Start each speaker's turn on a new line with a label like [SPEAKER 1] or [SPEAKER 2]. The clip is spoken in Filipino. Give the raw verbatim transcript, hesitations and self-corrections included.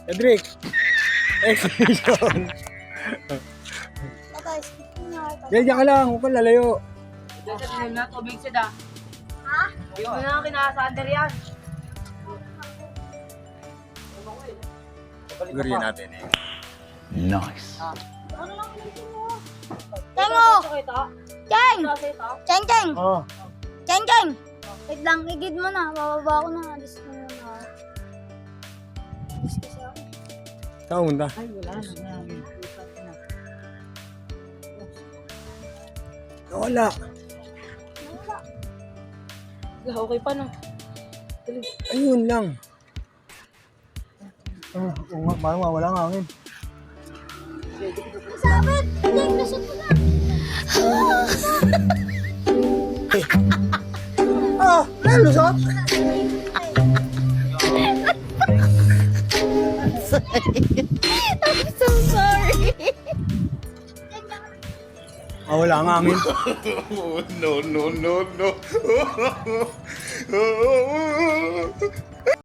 [SPEAKER 1] Edric! Exhibition!
[SPEAKER 2] Patay, skip na.
[SPEAKER 1] Diyan, diyan ka lang. Huwag kang lalayo.
[SPEAKER 3] Diyan na, tubig sida.
[SPEAKER 2] Ha?
[SPEAKER 3] Yung na kinasander yan.
[SPEAKER 1] Gurihin natin eh.
[SPEAKER 4] Nice.
[SPEAKER 2] Ano lang pinagsin mo? Tengo! Cheng! Cheng, Cheng!
[SPEAKER 1] Oo.
[SPEAKER 2] Cheng, Cheng! Wait lang, igid mo na. Bababa ko na. Alis ko na na. Alis ko siya.
[SPEAKER 1] Saan punta?
[SPEAKER 3] Ay, wala na.
[SPEAKER 1] Nawala.
[SPEAKER 3] Okay pa na.
[SPEAKER 1] Ayun lang. Ah, oo nga, parang mawala ang hangin.
[SPEAKER 2] Sabit! Cheng, lusot mo na.
[SPEAKER 1] Ah! Nalusot?
[SPEAKER 2] I'm so sorry.
[SPEAKER 1] Ah, wala ang hangin.
[SPEAKER 4] no, no, no, no.